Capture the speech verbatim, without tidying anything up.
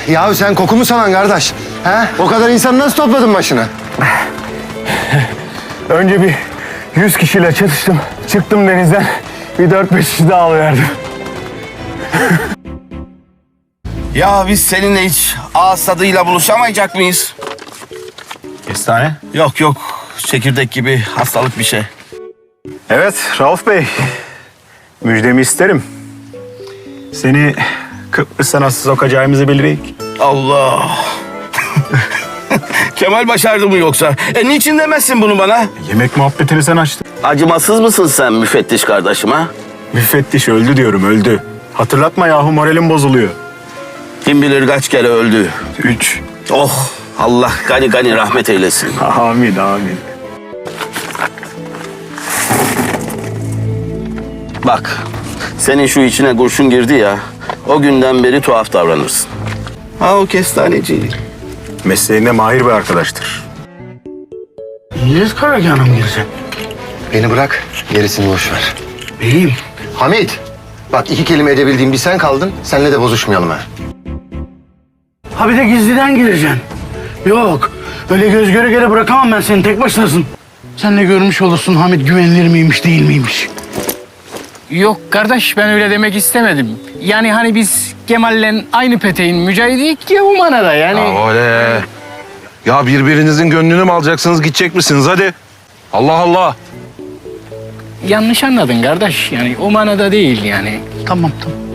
Ya sen koku mu sanan kardeş? He? O kadar insan nasıl topladın başına? Önce bir yüz kişiyle çatıştım. Çıktım denizden. Bir dört beş kişi daha alıverdim. Ya biz seninle hiç ağız tadıyla buluşamayacak mıyız? Kestane. Yok yok, çekirdek gibi hastalık bir şey. Evet Rauf Bey. Müjdemi isterim. Seni Kıbrıs'a nasıl sokacağımızı bilirdik. Allah! Kemal başardı mı yoksa? E niçin demezsin bunu bana? Yemek muhabbetini sen açtın. Acımasız mısın sen müfettiş kardeşim ha? Müfettiş öldü diyorum, öldü. Hatırlatma yahu, moralim bozuluyor. Kim bilir kaç kere öldü. Üç. Oh! Allah gani gani rahmet eylesin. Amin, amin. Bak, senin şu içine kurşun girdi ya, o günden beri tuhaf davranırsın. Ha o kestaneci. Mesleğinde mahir bir arkadaştır. Niye Karacanım gireceksin? Beni bırak, gerisini boş ver. Beyim. Hamit, bak iki kelime edebildiğin bir sen kaldın. Seninle de bozuşmayalım ha. Ha bir de gizliden gireceksin. Yok. Öyle göz göre göre bırakamam ben seni. Tek başınasın. Sen de görmüş olursun Hamit güvenilir miymiş değil miymiş. Yok kardeş, ben öyle demek istemedim. Yani hani biz Kemal'le aynı peteğin mücahidiyik ya bu manada yani. Ya öyle. Ya birbirinizin gönlünü mü alacaksınız, gidecek misiniz? Hadi. Allah Allah. Yanlış anladın kardeş, yani o manada değil yani. Tamam tamam.